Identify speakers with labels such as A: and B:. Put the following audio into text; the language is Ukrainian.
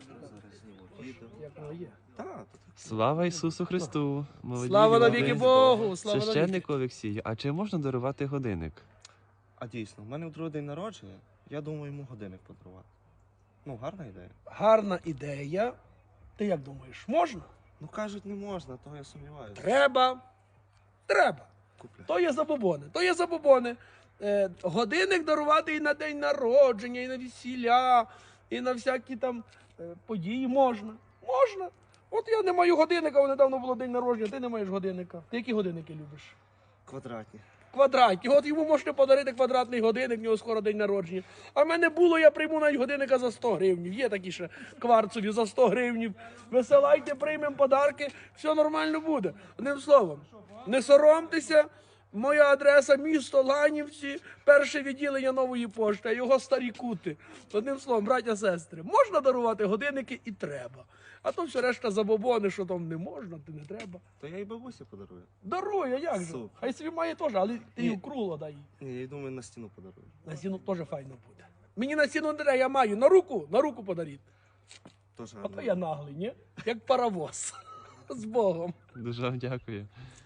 A: Зараз зніму відео.
B: Як воно є.
A: Так,
C: Слава Ісусу Христу! Молоді
B: Слава
C: люди.
B: навіки Богу! Слава навіки!
C: Священнику Олексію, а чи можна дарувати годинник?
A: а дійсно, в мене в другий день народження, я думаю йому годинник подарувати. Ну, гарна ідея.
B: Гарна ідея. Ти як думаєш, можна?
A: Ну кажуть, не можна, то я сумніваюся.
B: Треба. Треба.
A: Купля.
B: То є забобони. То є забобони. Годинник дарувати і на день народження, і на весілля, і на всякі там події можна. Можна. От я не маю годинника, недавно було день народження, ти не маєш годинника. Ти які годинники любиш?
A: Квадратні.
B: Квадратні. От йому можете подарити квадратний годинник, в нього скоро день народження. А в мене було, я прийму навіть годинника за 100 гривнів. Є такі ще кварцові за 100 гривнів. Висилайте, приймемо подарки, все нормально буде. Одним словом, не соромтеся. Моя адреса місто Ланівці, перше відділення Нової пошти, а його старі кути. Одним словом, браття, сестри, можна дарувати годинники і треба. А то все решта забобони, що там не можна, то не треба.
A: То я і бабусі подарую.
B: Дарує, як же?
A: Супер.
B: Хай собі має теж, але ти
A: Ні.
B: її кругло дай.
A: Ні, я думаю, на стіну подарую.
B: На стіну теж файно буде. Мені на стіну не треба, я маю. На руку подаріть.
A: Теж
B: А
A: гарно.
B: то я наглий, ні? Як паровоз. З Богом.
C: Дуже вам дякую.